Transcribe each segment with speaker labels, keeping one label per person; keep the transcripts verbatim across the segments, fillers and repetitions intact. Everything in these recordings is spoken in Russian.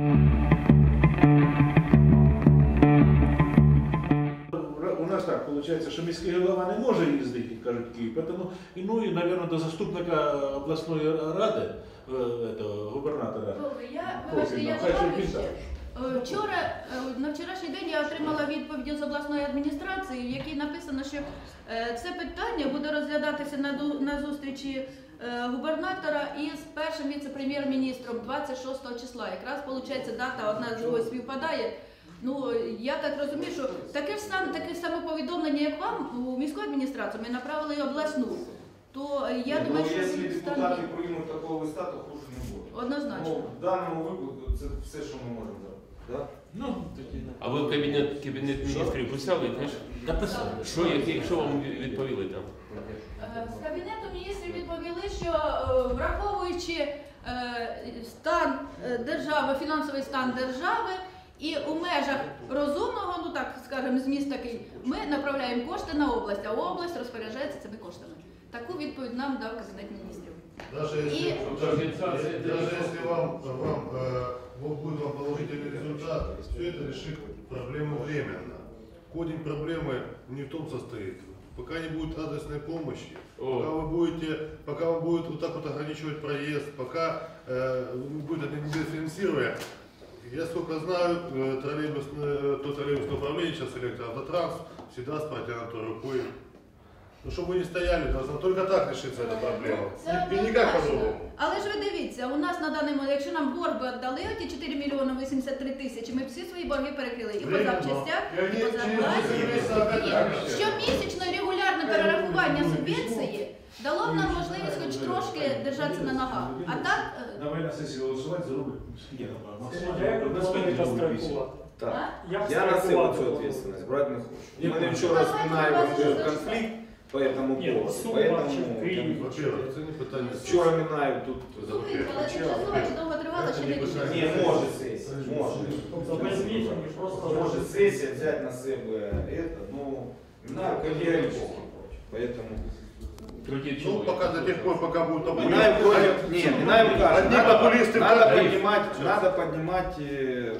Speaker 1: У нас так виходить, що міський голова не може їздити, кажуть, в Київ, тому, ну і, мабуть, до заступника обласної ради, этого, губернатора.
Speaker 2: Я, вибачте, я добавлю ще. Вчора, на вчорашній день я отримала відповідь з обласної адміністрації, в якій написано, що це питання буде розглядатися на зустрічі губернатора із першим віце-прем'єр-міністром двадцять шостого числа. Якраз, виходить, дата одна з другою співпадає. Ну, я так розумію, що таке ж саме, таке саме повідомлення, як вам, у міську адміністрацію, ми направили і обласну. То я
Speaker 3: ну,
Speaker 2: думаю, що...
Speaker 3: Якщо депутати приймуть такого листа, то хуже не буде.
Speaker 2: Однозначно.
Speaker 3: Ну, в даному випадку це все, що ми можемо зробити. Да?
Speaker 1: Ну, такі...
Speaker 4: А ви в кабінет, кабінет міністрів писали?
Speaker 1: Написали.
Speaker 4: Що, які, що вам відповіли там?
Speaker 2: З Кабінету міністрів відповіли, що враховуючи стан держави, фінансовий стан держави, і у межах розумного, ну так скажемо, зміст такий, ми направляємо кошти на область, а область розпоряджається цими коштами. Таку відповідь нам дав Кабінет міністрів.
Speaker 5: Даже если,
Speaker 2: И...
Speaker 5: даже, даже если вам, вам, э, будет вам положительный результат, все это решит проблему временно. Корень проблемы не в том состоит. Пока не будет адресной помощи, пока вы будете, пока вы будете вот так вот ограничивать проезд, пока э, будет это недофинансирование. Я сколько знаю, троллейбусное, то троллейбусное управление, сейчас электроавтотранс, всегда с протянутой рукой. Ну, щоб ви не стояли, должна только так решиться ця проблема. І ніяк по-другому.
Speaker 2: Але ж ви дивіться, у нас на даний момент, якщо нам борг би віддали, оті чотири мільйони вісімдесят три тисячі, ми всі свої борги перекрили. І по запчастях, і по зарплаті. Щомісячне регулярне перерахування субвенції дало б нам можливість хоч трошки держатися на ногах. А так...
Speaker 1: Давай на сесії голосувати за рубль.
Speaker 3: Так. Я на себе цю ответственность брать не хочу. Мы вчера спинаем конфликт по этому поводу. Поэтому,
Speaker 5: во-первых, це не питання.
Speaker 3: Вчора Мінаєв тут
Speaker 2: Слухайте, але тимчасово чи довго тривало, чи не рішення?
Speaker 3: не може сесія. Може. Може сесія взяти на себе это, ну, Мінаєв категорически против. Поэтому...
Speaker 5: Ну, пока до тех пор, пока будут популисты.
Speaker 3: Минаев против... Нет, Минаев кажет,
Speaker 5: Одни
Speaker 3: надо,
Speaker 5: популисты
Speaker 3: надо
Speaker 5: против.
Speaker 3: поднимать, надо поднимать... Э,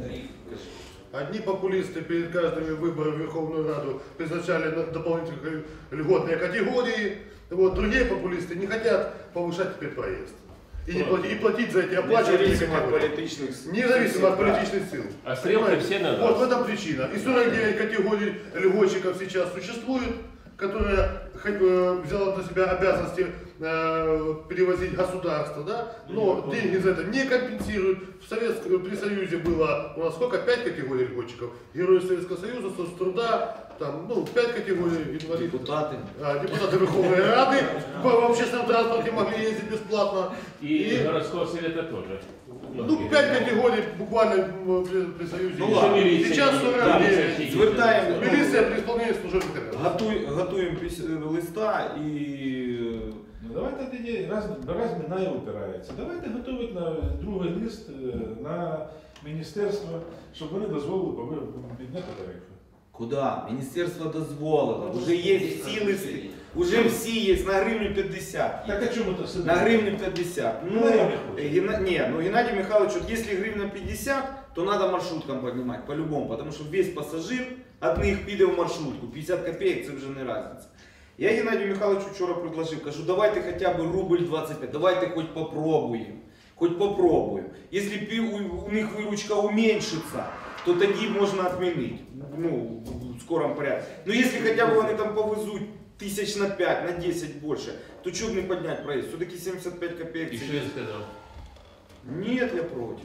Speaker 5: Одни популисты перед каждыми выборами в Верховную Раду призначали дополнительные льготные категории. Вот, другие популисты не хотят повышать теперь проезд. И, не платить, и платить за эти оплачивания.
Speaker 3: Независимо от политических сил.
Speaker 5: Независимо от политических сил.
Speaker 4: А стрелки все на нас.
Speaker 5: Вот в этом причина. И сорок девять категорий льготчиков сейчас существует, которые э, взяло на себя обязанности э, перевозить государство, да? Но деньги за это не компенсируют. В Советском, при Союзе было у нас сколько? Пять категорий льготчиков. Герои Советского Союза, соцтруда, там, ну, пять категорий инвалидов.
Speaker 3: Депутаты.
Speaker 5: А, депутаты Верховной Рады в общественном транспорте могли ездить бесплатно.
Speaker 4: И,
Speaker 5: И
Speaker 4: городского совета тоже.
Speaker 5: ну, пять категорий буквально при, при Союзе.
Speaker 3: Ну, ладно.
Speaker 5: Сейчас сорок девять.
Speaker 3: Звертаємо.
Speaker 5: Милиция при исполнении служебных обязанностей.
Speaker 3: Готуй, готуємо піс- листа і...
Speaker 1: Ну давайте тоді, раз, раз Мінаєв опирається, давайте готувати на другий лист на міністерство, щоб вони дозволили підняти тарифи.
Speaker 3: Куда? Міністерство дозволило. Уже є всі листи. Уже всі є на гривню п'ятдесят.
Speaker 1: Так а чому то сидить?
Speaker 3: На гривню пятьдесят. Ну,
Speaker 1: Геннадий Михайлович.
Speaker 3: Гена... не, ну Геннадий Михайлович, вот если гривна пятьдесят, то надо маршруткам поднимать, по-любому, потому что весь пассажир от них піде в маршрутку, пятьдесят копеек, це вже не разница. Я Геннадию Михайловичу вчора предложив, кажу, давайте хотя бы рубль двадцать пять, давайте хоть попробуем, хоть попробуем. Если у, у них выручка уменьшится, то тоді можна отменить, ну, в скором порядке. Но если хотя бы вони там повезуть тысяч на пять, на десять больше, то что бы не поднять проезд? Все-таки семьдесят пять копеек.
Speaker 4: И что я сказал?
Speaker 3: Нет, я против.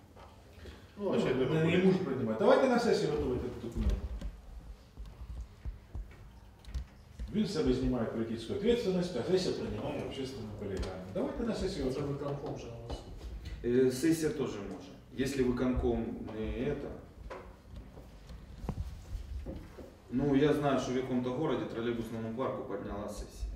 Speaker 5: Ну,
Speaker 1: Ну, не можуть приймати. Давайте на сесію готувати цей документ. Він з себе знімає політичну відповідальність, а сесія приймає общественне полягання. Давайте на сесію готувати.
Speaker 3: Э, сессия тоже может. Если выконком не это. Ну, я знаю, что в каком-то городе троллейбусному парку подняла сессия.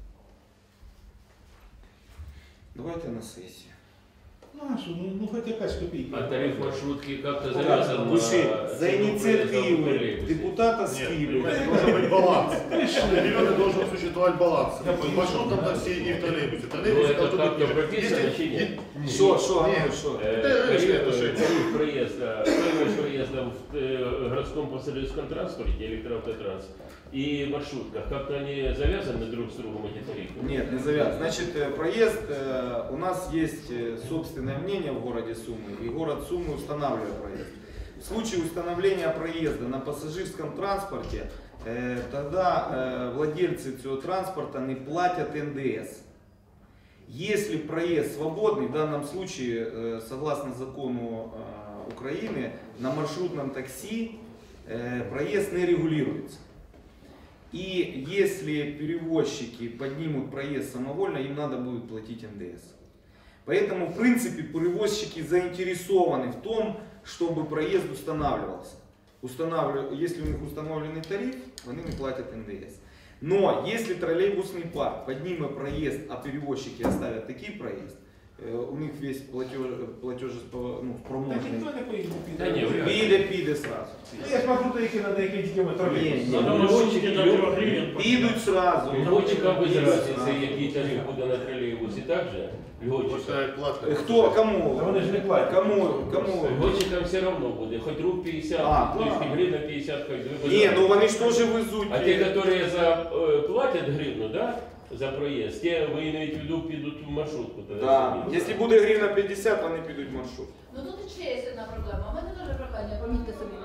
Speaker 3: Давайте на сессию.
Speaker 1: Ну, а що, ну, ну хоч якась копійка.
Speaker 4: А тариф маршрутки как-то завязан на...
Speaker 3: За инициативы депутата с Киева.
Speaker 5: Должен быть баланс. Регионе должен существовать баланс. В маршрутном такси и в троллейбусе.
Speaker 4: Ну,
Speaker 5: Троллейбусе
Speaker 4: это
Speaker 5: должен
Speaker 4: как-то
Speaker 5: быть...
Speaker 4: прописано,
Speaker 5: Если-
Speaker 4: чи нет?
Speaker 3: Что, что,
Speaker 5: Нет,
Speaker 3: что?
Speaker 5: Это решение
Speaker 4: Тариф
Speaker 5: отношения.
Speaker 4: проезда, стоимость проезда в э, городском пассажирском транспорте, электроавтотранс, и маршрутках, как-то они завязаны друг с другом, эти тарифы?
Speaker 3: Нет, не завязан. Значит, э, проезд, э, у нас есть э, собственное мнение в городе Сумы, и город Сумы устанавливает проезд. В случае установления проезда на пассажирском транспорте, э, тогда э, владельцы этого транспорта не платят эн дэ эс. Если проезд свободный, в данном случае, э, согласно закону э, Украины, на маршрутном такси э, проезд не регулируется. И если перевозчики поднимут проезд самовольно, им надо будет платить эн дэ эс. Поэтому, в принципе, перевозчики заинтересованы в том, чтобы проезд устанавливался. Устанавливаю, если у них установленный тариф, они не платят эн дэ эс. Но если троллейбусный парк поднимет проезд, а перевозчики оставят такой проезд, у них весь платеж, платеж ну,
Speaker 1: Так
Speaker 3: спроможный.
Speaker 1: ніхто не поїде.
Speaker 4: Та ні, вряд ли.
Speaker 3: Піде, піде сразу.
Speaker 1: Я ж маршрути, які на деякі тільки
Speaker 3: Ні,
Speaker 1: тролейбуси.
Speaker 3: ні.
Speaker 4: Ну, льготчики-
Speaker 3: Підуть сразу.
Speaker 4: Льготчикам без
Speaker 3: Підуть
Speaker 4: разницы,
Speaker 3: сразу.
Speaker 4: який тариф буде на тролейбусі, так же? Льготчикам.
Speaker 5: Поставить платно.
Speaker 3: Хто, кому?
Speaker 1: Та вони ж не платять.
Speaker 3: Кому? Кому?
Speaker 4: Льготчикам все равно буде, хоть рук пятьдесят,
Speaker 3: А,
Speaker 4: то есть
Speaker 3: да.
Speaker 4: гривна пятьдесят, хоть вы
Speaker 3: Ні, ну вони ж теж везуть.
Speaker 4: А те, которые за, э, платят гривну, да, за проезд, те, вы имеете в виду, підуть в маршрутку. тогда
Speaker 3: Да.
Speaker 4: собі.
Speaker 3: Якщо буде гривна п'ятдесят, вони підуть в маршрут.
Speaker 2: Ну тут ще є одна проблема. У мене теж прохання, помітьте собі.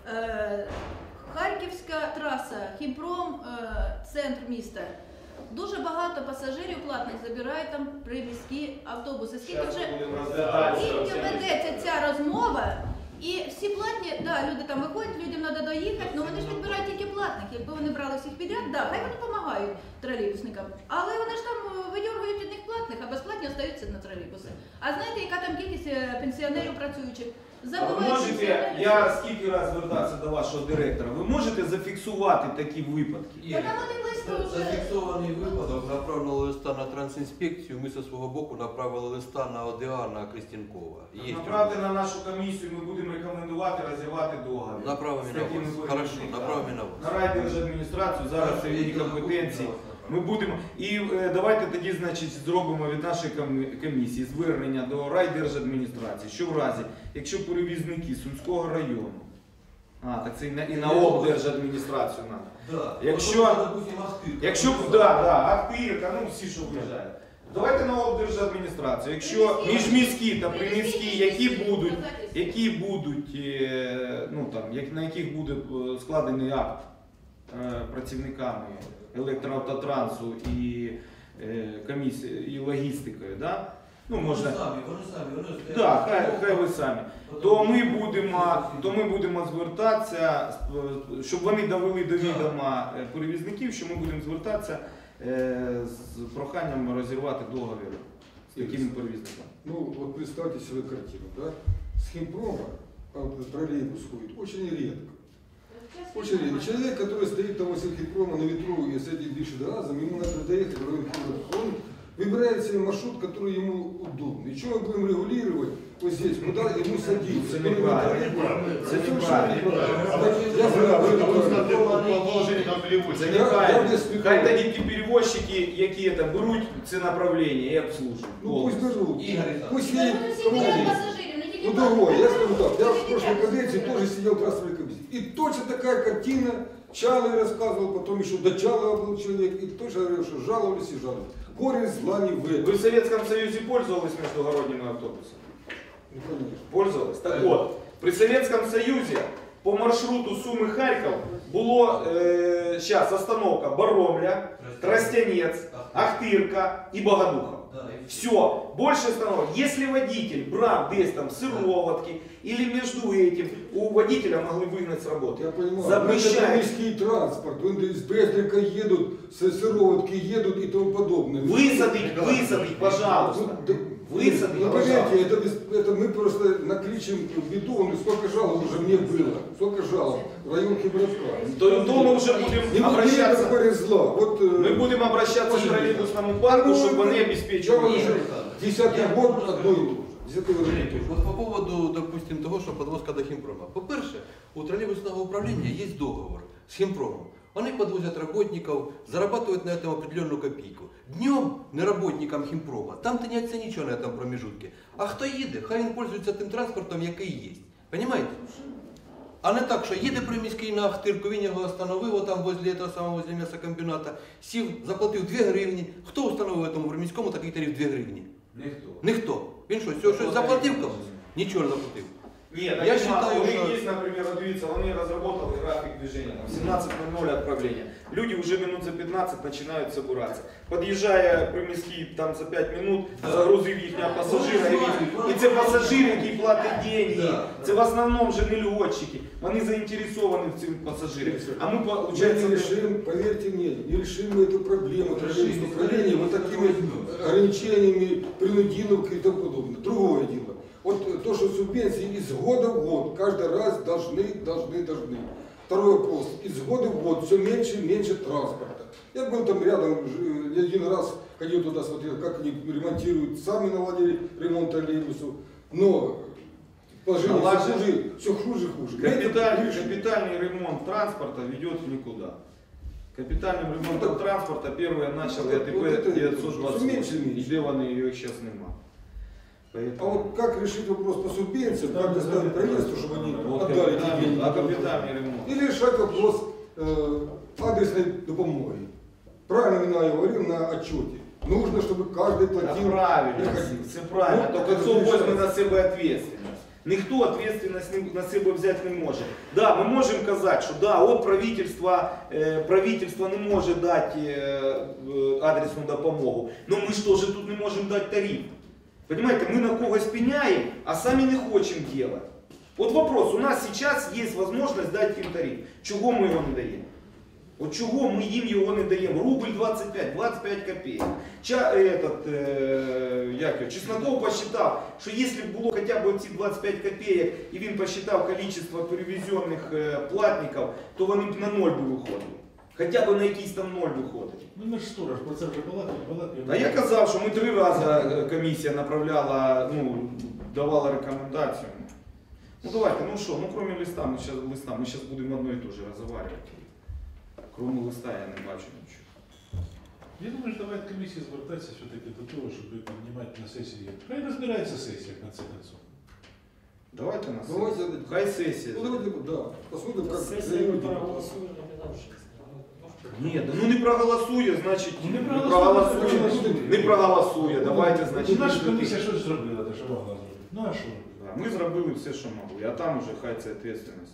Speaker 2: Е, Харківська траса, Хімпром, е, центр міста. Дуже багато пасажирів платних забирають там приміські автобуси. Скільки вже скільки ведеться ця розмова, і всі платні, да, люди там виходять, людям треба доїхати, але вони ж відбирають тільки платних. Якби вони брали всіх підряд, да, хай вони допомагають тролейбусникам. Але вони ж там е, видьоргують від них платних, а безплатні остаються на тролейбуси. А знаєте, яка там кількість е, пенсіонерів працюючих?
Speaker 3: А ви
Speaker 2: Забувають
Speaker 3: можете,
Speaker 2: пенсіонерів.
Speaker 3: я скільки раз звертався до вашого директора, ви можете зафіксувати такі випадки?
Speaker 2: Та там вони близько вже.
Speaker 6: Зафіксований випадок направленого листа на трансінспекцію. Ми зі свого боку направили листа на О Д А на Крістінкова. Є
Speaker 3: Направте на нашу комісію, ми будемо рекомендувати розірвати договір.
Speaker 6: Направимо
Speaker 3: З
Speaker 6: на
Speaker 3: такими
Speaker 6: вас.
Speaker 3: випадками.
Speaker 6: Хорошо, направимо на вас.
Speaker 3: На райдержадміністрацію, зараз це її компетенції. Ми будемо, і е, давайте тоді, значить, зробимо від нашої комі- комісії звернення до райдержадміністрації, що в разі, якщо перевізники Сумського району, а, так це і на, і на облдержадміністрацію треба.
Speaker 6: Да.
Speaker 3: Якщо-
Speaker 6: От, допустим, Ахтирка.
Speaker 3: Якщо, да, да, Ахтирка, ну всі, що виїжджають. Давайте на облдержадміністрацію. Якщо міжміські та приміські, які будуть, які будуть, е, ну там, як, на яких буде е, складений акт е, працівниками електроавтотрансу і е, комісії, і логістикою, да? Ну,
Speaker 6: Вони
Speaker 3: можна,
Speaker 6: самі, вони самі, вони стоять.
Speaker 3: да, хай, хай ви самі. То ми будемо, то ми будемо звертатися, е, щоб вони довели до відома е, перевізників, що ми будемо звертатися е, з проханням розірвати договір з такими перевізниками.
Speaker 7: Ну, вот представьте себе картину, да? С химпрома а, троллейбус ходит очень редко. Очень редко. Человек, который стоит там возле химпрома на ветру и с этим дышит газом, ему надо доехать в район Химпрома. Он выбирает себе маршрут, который ему удобный. И что мы будем регулировать вот здесь, куда ему садиться?
Speaker 3: Это неправильно.
Speaker 7: Это
Speaker 3: Это
Speaker 7: совершенно
Speaker 3: неправильно.
Speaker 7: неправильно. Я
Speaker 5: А
Speaker 7: знаю,
Speaker 5: вы
Speaker 7: это
Speaker 5: на
Speaker 7: неправильно.
Speaker 5: положение там
Speaker 3: Це
Speaker 5: перевозчика.
Speaker 7: Я- я
Speaker 3: неправильно.
Speaker 7: без спекулю.
Speaker 3: Хай тоді ті перевозчики, які це беруть це направлення і обслужують.
Speaker 7: Ну пусть
Speaker 3: повністю.
Speaker 7: берут.
Speaker 6: Игорь,
Speaker 7: Пусть
Speaker 2: Та
Speaker 7: едет.
Speaker 2: вони всі беруть пасажирів, не тільки
Speaker 7: Ну
Speaker 2: платних.
Speaker 7: другое, я скажу так, я в прошлой каденции тоже сидел в трассовой комиссии. И точно такая картина, Чалый рассказывал, потом еще до Чалова был человек, и тоже говорил, что жаловались и жаловались. Горе зла не в
Speaker 3: Ви
Speaker 7: этом.
Speaker 3: в Советском Союзе пользовались междугородними автобусами?
Speaker 7: Ну, конечно.
Speaker 3: Пользовались? Так от, при Советском Союзе по маршруту Суми-Харьков було е, зараз остановка Боромля, Тростянець, Ахтирка і Богодуха.
Speaker 6: Да, и
Speaker 3: Все, больше остановок. Если водитель брал десь там сыроватки или между этим, у водителя могли выгнать с работы.
Speaker 7: Я понимаю, это
Speaker 3: Запрещают.
Speaker 7: морский транспорт, вон из Брезника едут, с Сыроватки едут и тому подобное.
Speaker 3: Высадить, высадить, пожалуйста.
Speaker 7: Ну, да,
Speaker 3: Высадить,
Speaker 7: ну,
Speaker 3: пожалуйста.
Speaker 7: поверьте, это, без- это мы просто накличем беду, он сколько жалоб уже мне было, сколько жалоб в район Хибровка.
Speaker 3: То, то мы уже будем
Speaker 7: Не
Speaker 3: обращаться.
Speaker 7: горе зла. Вот, э,
Speaker 3: Мы будем обращаться к
Speaker 7: очень
Speaker 3: троллейбусному парку,
Speaker 7: Ну,
Speaker 3: чтобы
Speaker 7: это-
Speaker 3: они
Speaker 7: я
Speaker 3: обеспечивали.
Speaker 7: вам уже десятый год одно и то же. Десятый год одно и то же.
Speaker 6: Вот по поводу, допустим, того, що подвозка до Хімпрома. По-перше, у троллейбусного управління є договор з Хімпромом. Вони подвозят работников, зарабатывают на этом определенную копейку. Днем не работникам Хімпрома, там тиняться нічого на этом промежутке. А хто їде, хай він пользується тим транспортом, який є. Понимаете? А не так, що їде приміський на Ахтирку, він його остановив, отам возле того самого, возле м'ясокомбіната, сів, заплатив дві гривні. Хто встановив тому приміському такий тариф дві гривні?
Speaker 3: Ніхто.
Speaker 6: Ніхто. Він що, всього щось заплатив комусь? Нічого не заплатив.
Speaker 3: Нет,
Speaker 6: Я
Speaker 3: я
Speaker 6: считаю,
Speaker 3: считаю, у
Speaker 6: что-
Speaker 3: них есть, например, дивіться, вони разработали график движения. Там семнадцать ноль ноль отправления. Люди уже минут за пятнадцать начинают собираться. Подъезжая приміський там за пять минут, загрузив їхнього пасажира. І, і це пасажир, який платить деньги. Це в основному же не льотчики. Вони заінтересовані в цим пасажирі. А ми,
Speaker 7: Мы
Speaker 3: получается,
Speaker 7: не решим, поверьте мне, не решим мы эту проблему троллейбусного управления вот такими ограничениями, принудиловкой и тому подобное. Другое дело. Вот то, что субвенции из года в год, каждый раз должны, должны, должны. Второй вопрос. Из года в год все меньше и меньше транспорта. Я был там рядом, ж- я один раз ходил туда, смотрел, как они ремонтируют, сами наладили ремонт троллейбусу. Но положение все
Speaker 3: Наладили.
Speaker 7: хуже, все хуже и хуже.
Speaker 3: капитальный,
Speaker 7: Это-
Speaker 3: капитальный ремонт транспорта ведет в никуда. Капитальным ремонтом транспорта первые начали
Speaker 7: Вот это-
Speaker 3: АТП девятьсот двадцать
Speaker 7: меньше,
Speaker 3: восемь.
Speaker 7: меньше.
Speaker 3: Де вони, їх зараз нема.
Speaker 7: А
Speaker 3: Поэтому...
Speaker 7: вот как решить вопрос по субвенциям, как доставить правительству, чтобы они
Speaker 3: Вот
Speaker 7: отдали эти
Speaker 3: капитальный,
Speaker 7: деньги?
Speaker 3: а капитальный ремонт.
Speaker 7: Или решать вопрос э, адресной допомоги. Правильно я говорил на отчете. Нужно, чтобы каждый
Speaker 3: Це
Speaker 7: платил.
Speaker 3: правильно,
Speaker 7: приходил.
Speaker 3: це правильно.
Speaker 7: Ну,
Speaker 3: Тільки
Speaker 7: це
Speaker 3: хто
Speaker 7: решається.
Speaker 3: возьме на себе відповідальність. Ніхто відповідальність на себе взяти не може. Да, ми можемо казати, що да, от правительство, е, правительство не може дати е, е, адресну допомогу. Ну ми ж теж тут не можемо дати тариф. Понимаете, мы на когось пеняем, а сами не хотим делать. Вот вопрос, у нас сейчас есть возможность дать им тариф. Чего мы его не даем? Вот чего мы им его не даем? Рубль двадцать пять, двадцать пять копеек. Ча, этот, э, як його, Чесноков посчитал, что если бы было хотя бы эти двадцать пять копеек, и він посчитал количество перевезенных э, платников, то вони б на ноль би виходили. Хоча б на якийсь там ноль виходить.
Speaker 1: Ну ми ж сторож, про це вже балакали, балакали.
Speaker 3: А я казав, що ми три рази е, комісія направляла, ну, давала рекомендацію. Ну давайте, ну що, ну кроме листа, ми зараз листа, ми зараз будемо одно і те же розговорювати. Кроме листа я не бачу нічого.
Speaker 1: Я думаю, що давайте комісії звертатися все-таки до того, щоб піднімати на сесії. Хай розбирається сесія, в конце концов.
Speaker 3: Давайте на
Speaker 7: Давайте,
Speaker 3: сесію. Хай сесія.
Speaker 7: Ну давайте, да, посмотрим, как
Speaker 8: Сессия не
Speaker 7: люди.
Speaker 8: проголосует, не давшись.
Speaker 3: Ні, да, ну не проголосує, значить
Speaker 1: Ну, не
Speaker 3: не
Speaker 1: проголосує,
Speaker 3: проголосує.
Speaker 1: значить,
Speaker 3: Не проголосує, давайте,
Speaker 1: Ну,
Speaker 3: значить.
Speaker 1: наша
Speaker 3: не
Speaker 1: комісія щось зробила, те, що могла зробити. Ну а що?
Speaker 3: Да, Ми зробили все, що могли, а там уже хай це відповідальність.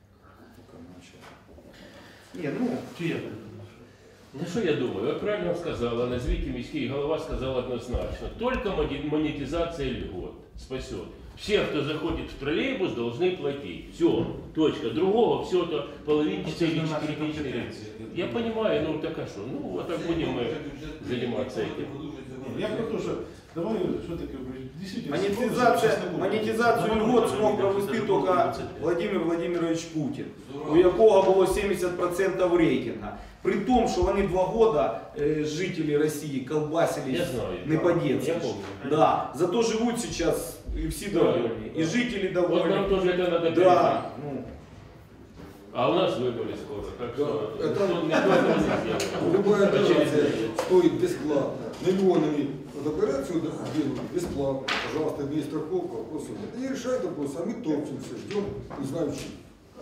Speaker 3: Ні, ну,
Speaker 1: Чи як?
Speaker 4: Ну що я думаю, ви правильно сказали, назвіть міський голова сказав однозначно. Только мони- монетизация льгот спасет. Все, кто заходит в троллейбус, должны платить. Все, точка. Другого все это половинчатое или четырехчатое. Я понимаю, ну так а что? Ну вот так будем мы заниматься этим.
Speaker 1: Я про те, що давай все-таки дійсно...
Speaker 3: монетизация, монетизацию льгот смог провести только Владимир Владимирович Путин, у якого було сімдесят відсотків рейтинга. При тому, що вони два года е, жителі Росії колбасились
Speaker 4: Я знаю.
Speaker 3: не по-детски.
Speaker 4: Я помню.
Speaker 3: Да, зато живут сейчас и все довольны, и жители
Speaker 4: Вот нам
Speaker 3: довольны.
Speaker 4: тоже это надо пережить.
Speaker 3: Да, ну,
Speaker 4: А у нас выборы скоро, так что
Speaker 7: Да, это-
Speaker 4: никто, никто этого не сделает.
Speaker 7: Любая операция
Speaker 4: Очередная.
Speaker 7: стоит бесплатно. Миллионами вот операцию делают бесплатно. Пожалуйста, не страховка, вопросов нет. И решают вопрос, а мы топчемся, ждем, не знаем чего.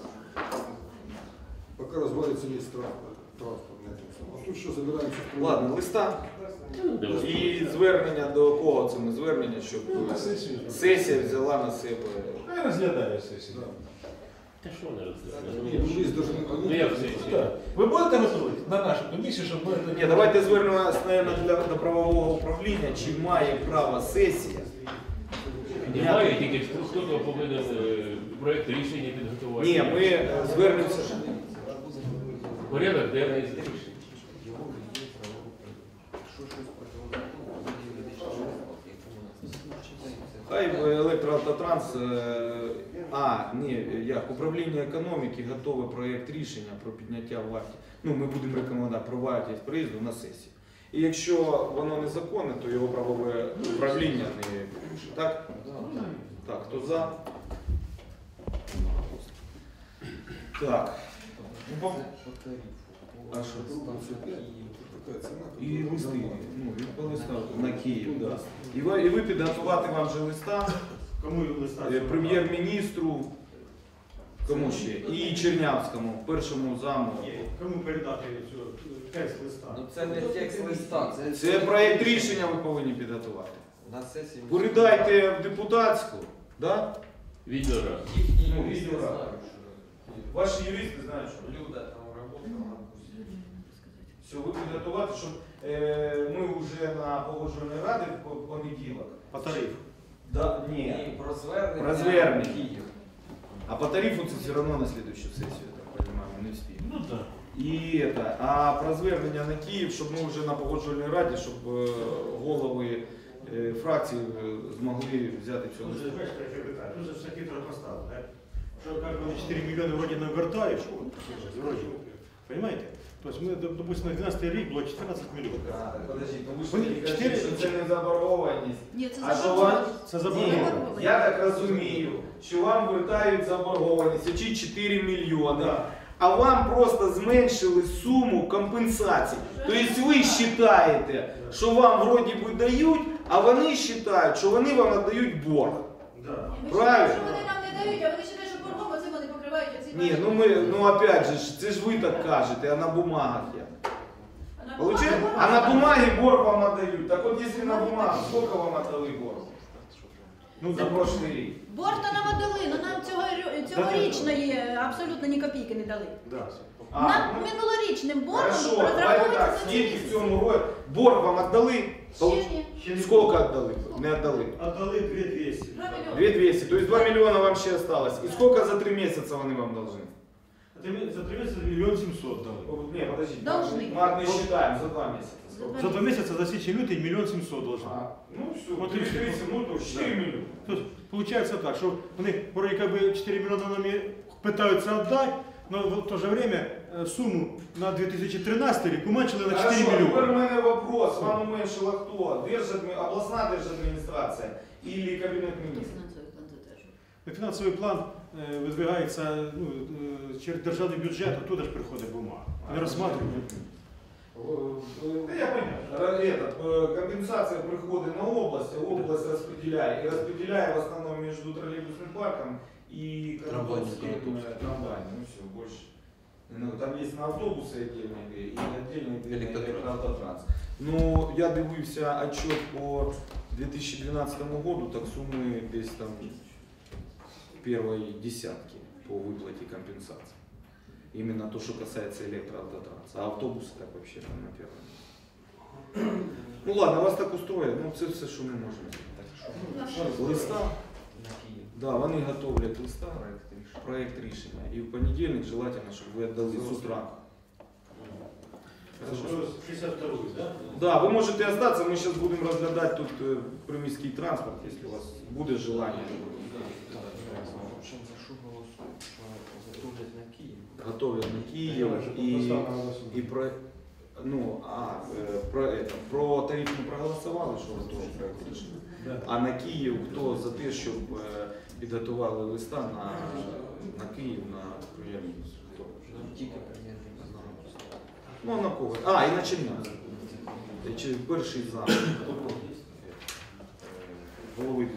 Speaker 7: Пока развалится весь транспорт. транспорт на этом самом. А тут что, собираемся?
Speaker 3: ладно, листа.
Speaker 4: Ну, давай.
Speaker 3: І звернення до кого це ми звернення, щоб
Speaker 1: Ну, на сесію.
Speaker 3: сесія взяла на себе.
Speaker 1: Хай розглядає сесію.
Speaker 4: Та що не
Speaker 7: Нет,
Speaker 4: розглядає?
Speaker 7: ну, есть даже...
Speaker 4: Ну як все?
Speaker 1: Так. Ви будете готові на нашу комісію, щоб ми...
Speaker 3: Ні, давайте звернемося, наверное, для, до правового управління, чи має право сесія.
Speaker 4: Немає, тільки хто повинен е, проект рішення підготувати.
Speaker 3: Ні, ми е, звернемося.
Speaker 4: Порядок денний.
Speaker 3: Хай електроавтотранс, е, а, ні, як, управління економіки готове проєкт рішення про підняття вартості. Ну, ми будемо рекомендувати про вартість проїзду на сесії. І якщо воно незаконне, то його правове управління не порушить. Так? Так, хто за? Так. Ну, по- А що?
Speaker 7: Такая цена.
Speaker 3: І листи, ну, від по листа на Київ, да. І ви, і ви підготувати вам же листа
Speaker 8: Кому листа?
Speaker 3: Е, Прем'єр-міністру, кому ще? І Чернявському, першому заму.
Speaker 8: Кому передати цю текст листа?
Speaker 6: Ну це не текст листа, це,
Speaker 3: Це проєкт рішення ви повинні підготувати.
Speaker 6: на сесії.
Speaker 3: Передайте в депутатську, да?
Speaker 4: Відеораз.
Speaker 6: Їхні
Speaker 3: Ну,
Speaker 6: юристи
Speaker 3: відео,
Speaker 6: знають,
Speaker 3: да. Ваші юристи знають, що
Speaker 6: Люда там работала.
Speaker 3: все, ви підготувати, щоб е, ми вже на погоджувальній раді в понеділок.
Speaker 8: По тарифу.
Speaker 3: Да, ні.
Speaker 6: І про звернення.
Speaker 3: Про звернення.
Speaker 6: Київ.
Speaker 3: А по тарифу це все равно на следующую сессию, я так понимаю, мы не успеем.
Speaker 8: Ну так.
Speaker 3: І это, а про звернення на Київ, щоб ми вже на погоджувальній раді, щоб е, голови е, фракцій е, змогли взяти цього.
Speaker 8: Тут же, знаешь, какое питание? Тут же все хитро поставлено, да? Что как бы четыре миллиона вроде нам вертаешь, вроде, понимаете? То есть мы, допустим, на двенадцатый рік було чотирнадцять миллионов.
Speaker 3: А, подожди, ну ви ж
Speaker 8: Вони
Speaker 3: тоді кажете,
Speaker 8: чотири-
Speaker 3: що це не заборгованість.
Speaker 2: Ні, це
Speaker 3: А що
Speaker 2: заборгованість.
Speaker 3: вам?
Speaker 8: Це
Speaker 3: Ні,
Speaker 8: заборгованість.
Speaker 3: я так розумію, що вам вертають заборгованість, чи чотири мільйони.
Speaker 8: Да.
Speaker 3: А вам просто зменшили суму компенсацій. Тобто ви вважаєте, що вам вроді би дають, а вони вважають, що вони вам надають борг.
Speaker 8: Да.
Speaker 2: Ми
Speaker 3: Правильно.
Speaker 2: вважаємо, що вони нам не дають, а вони вважають, що боргом оцим вони покривають оці
Speaker 3: Ні, ну ми, ну опять же, ж, це ж ви так кажете, а на бумагах я.
Speaker 2: А на
Speaker 3: Получаете?
Speaker 2: бумагах-
Speaker 3: А на бумаге борг вам отдают. Так вот, если на бумагу, сколько вам отдали борг?
Speaker 8: Ну,
Speaker 3: За прошлый рік.
Speaker 2: Борг то нам отдали, але нам цього, цьогорічної абсолютно ні копійки не дали.
Speaker 8: Да.
Speaker 3: А,
Speaker 2: Нам
Speaker 3: ну,
Speaker 2: минулорічним боргом
Speaker 3: хорошо, давайте так,
Speaker 2: розраховується за ці
Speaker 3: скільки в
Speaker 2: місяці.
Speaker 3: цьому році борг вам отдали?
Speaker 2: Ще ні.
Speaker 3: Сколько отдали? Не отдали.
Speaker 8: Отдали две двести.
Speaker 2: Два мільйони.
Speaker 3: две двести, то есть два миллиона вам ще осталось. И сколько за три месяца вони вам должны?
Speaker 8: За три месяца миллион семьсот дали.
Speaker 3: О, Не, подождите.
Speaker 2: Должны.
Speaker 3: Мы одни считаем за два месяца. Сколько?
Speaker 8: За два месяца, за січень лютий, миллион семьсот должны.
Speaker 3: А, ну все,
Speaker 8: Вот
Speaker 3: три
Speaker 8: и всё.
Speaker 3: тридцать, ну то четыре миллиона.
Speaker 8: То есть получается так, что вони вроде как бы четыре миллиона нам и пытаются отдать, но в то же время э, сумму на две тысячи тринадцатый рік уменьшили на четыре
Speaker 3: Хорошо, тепер у
Speaker 8: миллиона.
Speaker 3: мене вопрос. Вам уменьшила хто? Держадми... Обласна держадміністрація или Кабінет міністрів?
Speaker 2: Фінансовий план затверджує.
Speaker 8: Фінансовий план е, видвигається ну, е, через державний бюджет, оттуда ж приходить бумага. Не розсматривають.
Speaker 3: Да я понял. Этот, э, компенсация приходит на область, а область распределяет. И распределяет в основном между троллейбусным парком и Карабахским трамваем. Ну все, больше. Ну, там есть на автобусы отдельные и отдельные электротранс. Ну, я дивився отчет по две тысячи двенадцатому году, так суммы десь там первой десятки по выплате компенсации. Именно то, что касается электроавтотранса. А автобусы так вообще там на первом месте. Ну ладно, вас так устроїть, ну це все, що ми можемо. Листа, да, вони готовлять листа, проект рішення. І в понедільник желательно, щоб ви віддали з утра.
Speaker 8: шестьдесят второй, да?
Speaker 3: Да, ви можете остатися, ми зараз будемо розглядати тут е, приміський транспорт, якщо у вас буде желання. Готовят на Киев и, и про, ну, а, э, про, это, про тариф не проголосували, що готові проект рішення.
Speaker 8: Да.
Speaker 3: А на Київ хто за те, щоб е, підготували листа на, на Київ на прем'єр-міністра? Хто?
Speaker 6: Тільки прем'єр-міністр.
Speaker 3: Ну а на кого? А, і на Чернявського. Чи перший зам. Голови.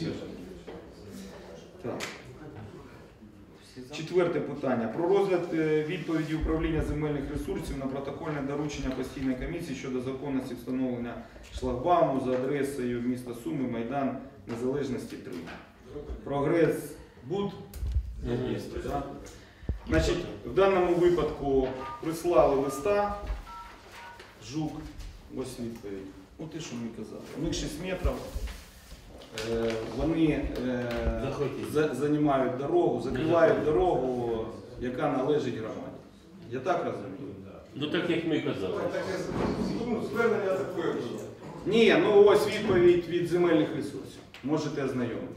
Speaker 3: Так. Четверте питання. Про розгляд е, відповіді управління земельних ресурсів на протокольне доручення постійної комісії щодо законності встановлення шлагбауму за адресою міста Суми, Майдан Незалежності три. Прогрес Буд. Є, да? Значить, в даному випадку прислали листа. Жук. Ось відповідь. Ну ти що мені казав? У них шість метрів. Е, Вони е, за- займають дорогу, закривають дорогу, яка належить громаді. Я так розумію?
Speaker 4: Ну так як ми і казали.
Speaker 7: Ну, звернення такое.
Speaker 3: Ні, ну ось відповідь від земельних ресурсів. Можете ознайомитися.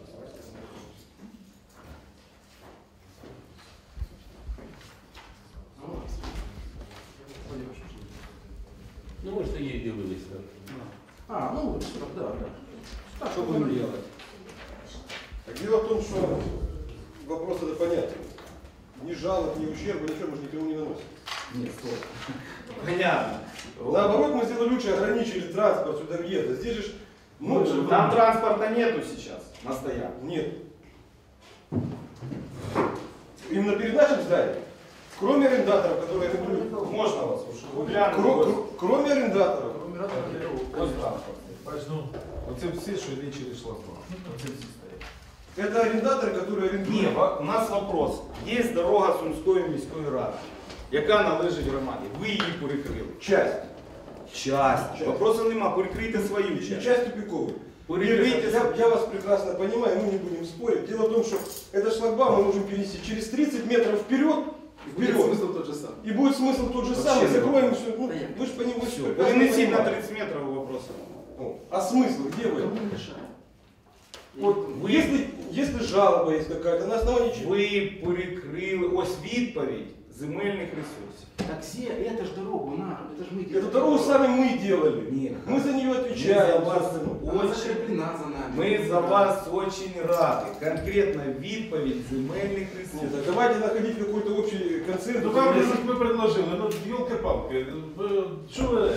Speaker 4: Ну, може, її дивилися.
Speaker 8: А, ну, да, да.
Speaker 3: Що будемо робити?
Speaker 7: Так дело в том, что вопрос это понятен. Ни жалоб, ни ущерба, ничего мы же никому не наносим.
Speaker 3: Ні, стоп. Понятно.
Speaker 7: Наоборот, мы сделали лучше, ограничили транспорт сюда въезда. Здесь же Ну,
Speaker 3: Там транспорта нету сейчас на стоянке.
Speaker 7: нет. Именно перед нашим зданием, кроме арендаторов, которые арендуют,
Speaker 3: Можно вас? Вы
Speaker 7: кро-
Speaker 3: глянули.
Speaker 7: кро- кроме арендаторов,
Speaker 3: Ось транспорт.
Speaker 1: Ну, оце всі, що йде через шлагбаум. Оце всі стоять.
Speaker 7: это арендаторы, которые арендуют.
Speaker 3: Ні, ва- у нас вопрос. Є дорога Сумської міської ради, яка належить громаді. Ви її перекрили.
Speaker 7: Часть.
Speaker 3: Часть. Вопросу нема, перекрийте свою
Speaker 7: И
Speaker 3: часть.
Speaker 7: часть тупиковой.
Speaker 3: Перекрийте
Speaker 7: Я,
Speaker 3: свою.
Speaker 7: я вас прекрасно понимаю, мы не будем спорить. Дело в том, что этот шлагбаум мы можем перенести через тридцать метров вперед, вперед.
Speaker 6: Смысл тот же самый.
Speaker 7: И будет смысл тот же
Speaker 3: Вообще
Speaker 7: самый,
Speaker 3: не
Speaker 7: закроем все. Ну,
Speaker 6: Понятно.
Speaker 7: вы же понимаете,
Speaker 3: Все.
Speaker 7: прекрасно
Speaker 3: Перенесіть на
Speaker 7: понимаете.
Speaker 3: тридцать метров вопроса.
Speaker 7: Ну, а смысл где вы?
Speaker 6: Кому мешает?
Speaker 7: Вот,
Speaker 3: Вы-
Speaker 7: если, если жалоба есть какая-то, на основании чего?
Speaker 3: Ви перекрили, ось відповідь земельних ресурсів.
Speaker 9: Так все, это ж дорогу на, это ж мы
Speaker 7: Эту
Speaker 9: делаем.
Speaker 7: дорогу сами мы делали.
Speaker 3: Нет.
Speaker 7: Мы за нее
Speaker 3: Мы за
Speaker 7: отвечаем.
Speaker 3: вас
Speaker 7: собственно.
Speaker 9: Она
Speaker 3: очень,
Speaker 9: закреплена за нами.
Speaker 3: ми за вас очень раді. Конкретно відповідь земельних
Speaker 7: Нет,
Speaker 3: ресурсів.
Speaker 7: так давайте находить какой-то общий концентрус.
Speaker 1: Ну вам же ж ми предложили, ну ёлки-палки, ви- що ви,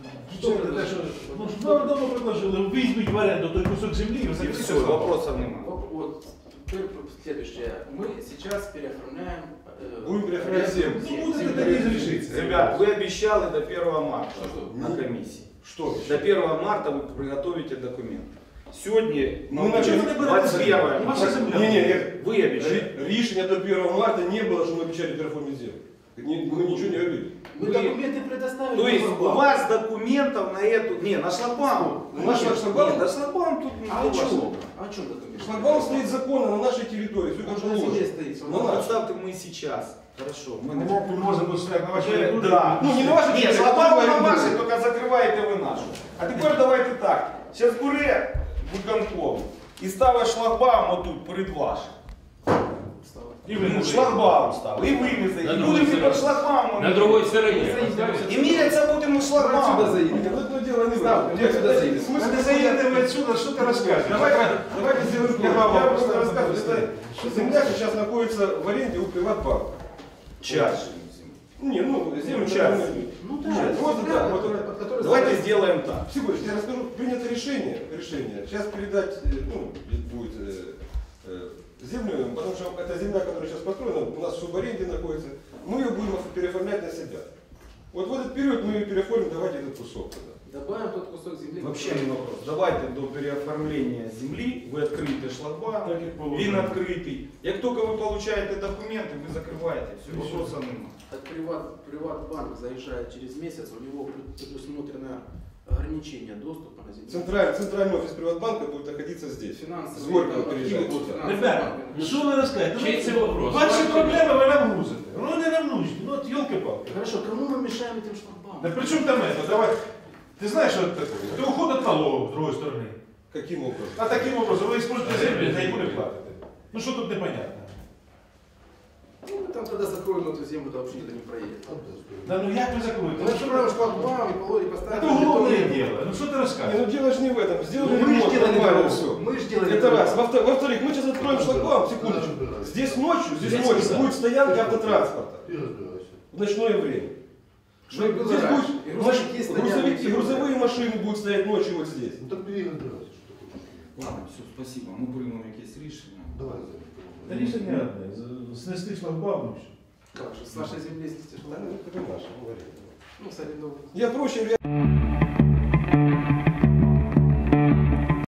Speaker 1: що ви, те, що, ну ж давно давно предложили, візьміть в оренду той кусок землі, і
Speaker 3: І
Speaker 1: закрийте
Speaker 3: все,
Speaker 1: сам.
Speaker 3: вопросов немає.
Speaker 9: Вот, вот, теперь следующее. Мы сейчас переоформляем... э,
Speaker 7: Будем переоформлять землю.
Speaker 1: Ну будете тоді зрішитися.
Speaker 3: Ребят, вы обещали до первого марта
Speaker 9: Что?
Speaker 3: на комиссии.
Speaker 7: Что?
Speaker 3: До первого марта вы приготовите документ. Сегодня,
Speaker 7: Мы начали-
Speaker 3: двадцать первое
Speaker 1: Ваша
Speaker 3: марта.
Speaker 1: земля.
Speaker 7: Не, не, нет.
Speaker 3: Вы обещали.
Speaker 7: Ри- Рішення до первого марта не было, что мы обещали переоформить землю. Не- Мы ничего не говорили.
Speaker 9: Мы
Speaker 3: Вы-
Speaker 9: документы предоставили.
Speaker 3: То есть
Speaker 9: на
Speaker 3: у
Speaker 9: шлагбаум.
Speaker 3: вас документов на эту... Не, на шлагбаум.
Speaker 7: На шлагбаум?
Speaker 3: Нет, на шлагбаум тут
Speaker 9: А
Speaker 3: не
Speaker 9: о чем?
Speaker 3: важно.
Speaker 9: О чем документы?
Speaker 7: Шлагбаум стоит законно на нашей территории, все как
Speaker 9: Он на земле
Speaker 7: положено.
Speaker 9: стоит.
Speaker 7: На
Speaker 3: Ну,
Speaker 7: нашей.
Speaker 3: представьте, мы сейчас. Хорошо. Мы
Speaker 1: Ми можемо стояти на вашій
Speaker 3: Э,
Speaker 1: території.
Speaker 3: Да.
Speaker 7: Ну, не на вашей
Speaker 3: Нет,
Speaker 7: территории,
Speaker 3: шлагбаум
Speaker 7: а
Speaker 3: на
Speaker 7: на
Speaker 3: вашей,
Speaker 7: другой.
Speaker 3: только закрываете вы нашу. А теперь давайте так. Сейчас буре виконком і ставить шлагбаум отут перед вашим.
Speaker 1: І ви
Speaker 3: Ну, шлагбаум став. І ви не
Speaker 4: На
Speaker 3: заїдете.
Speaker 4: другой
Speaker 3: Будемо під
Speaker 4: стороне.
Speaker 3: шлагбаумом.
Speaker 4: На другой стороне.
Speaker 3: І міряться будемо шлагбаумом.
Speaker 7: Нет, ну дело не в этом.
Speaker 1: Нет,
Speaker 7: Смысл-
Speaker 1: подожди,
Speaker 7: смысл-
Speaker 1: Ты заедем отсюда, что ты рассказываешь?
Speaker 7: Давайте, давайте сделаем так.
Speaker 1: Права
Speaker 7: Я просто
Speaker 1: просто
Speaker 7: рассказываю.
Speaker 1: поставить.
Speaker 7: Что земля сейчас находится в аренде у Приватбанка.
Speaker 3: Часть.
Speaker 7: Не, ну, землю
Speaker 3: Ну,
Speaker 7: часть.
Speaker 3: часть.
Speaker 9: Ну да,
Speaker 7: Часть. Вот,
Speaker 9: земля,
Speaker 7: да, вот,
Speaker 9: которая- под которой
Speaker 3: Давайте
Speaker 9: стоит-
Speaker 3: сделаем так.
Speaker 7: Всего лишь, я расскажу, принято решение, решение, сейчас передать, э, ну, будет э, э, землю, потому что эта земля, которая сейчас построена, у нас в субаренде находится, мы ее будем переоформлять на себя. Вот в этот период мы ее переоформим, давайте этот кусок тогда.
Speaker 9: Добавим тот кусок земли.
Speaker 3: Вообще
Speaker 9: который-
Speaker 3: не вопрос. Давайте до переоформления земли ви відкриєте шлагбаум,
Speaker 1: Так, як положено.
Speaker 3: він відкритий. Як тільки ви отримуєте документи, ви закриваєте. Все, вопросов немає.
Speaker 9: От приват, Приватбанк заезжает через месяц, у него пред- предусмотрено ограничение доступа на землю.
Speaker 7: Центральный, центральный офис Приватбанка будет находиться здесь.
Speaker 9: Финансовые
Speaker 7: С Горького
Speaker 9: активы
Speaker 7: переезжает
Speaker 9: будут
Speaker 7: сюда.
Speaker 9: финансовые
Speaker 1: Ребята,
Speaker 9: банки.
Speaker 1: що ви розказуєте?
Speaker 4: Чий це вопрос?
Speaker 1: Ваші
Speaker 4: Ваші
Speaker 1: проблеми ви нам грузите. Ну не нам нужні, ну от ёлки-палки.
Speaker 9: Хорошо, кому мы мешаем этим шлагбаумом?
Speaker 1: Да при чому там это? Давай. Ты знаешь, что это такое? Это уход от налогов, с другой стороны.
Speaker 7: Каким образом?
Speaker 1: А таким образом вы используете землю, за яку не платите. Ну что тут непонятно?
Speaker 9: Ну, мы там тогда закроем эту землю, то вообще никто не проедет.
Speaker 1: Да ну як ви закроєте?
Speaker 9: Мы закроем шлагбаум и положим,
Speaker 1: Это
Speaker 9: поставим...
Speaker 1: уголовное
Speaker 9: бетонные-
Speaker 1: дело. Ну что ты
Speaker 7: Не,
Speaker 1: рассказываешь?
Speaker 7: ну дело же не в этом. Сделали
Speaker 9: Ну, мы
Speaker 7: ремонт,
Speaker 9: же делали
Speaker 7: нормально,
Speaker 9: дорогу.
Speaker 7: все.
Speaker 9: Мы же делали
Speaker 7: Это
Speaker 9: дорогу.
Speaker 7: раз. Во-втор- Во-вторых, мы сейчас откроем шлагбаум, секундочку. Здесь ночью, здесь
Speaker 1: Здесь
Speaker 7: ночью
Speaker 1: всегда.
Speaker 7: будет стоянка автотранспорта
Speaker 5: И разбирайся.
Speaker 7: в ночное время.
Speaker 9: Что и было
Speaker 7: Здесь
Speaker 9: раньше.
Speaker 7: будет,
Speaker 9: И грузовики
Speaker 7: значит,
Speaker 9: стоят,
Speaker 7: грузовики,
Speaker 9: и всё.
Speaker 7: грузовые машины будут стоять ночью вот здесь.
Speaker 5: Ну так бери и разбирайся, что ты хочешь.
Speaker 3: Ладно, все, спасибо. Ми приймемо якесь рішення.
Speaker 5: Давай,
Speaker 1: Да рішення одне. з- Снести шлагбаум і все.
Speaker 9: Как же, с нашей земли снести
Speaker 7: Да,
Speaker 9: шлагбаум?
Speaker 7: ну, это наше, говори.
Speaker 9: Ну, с арендованной.
Speaker 7: Я проще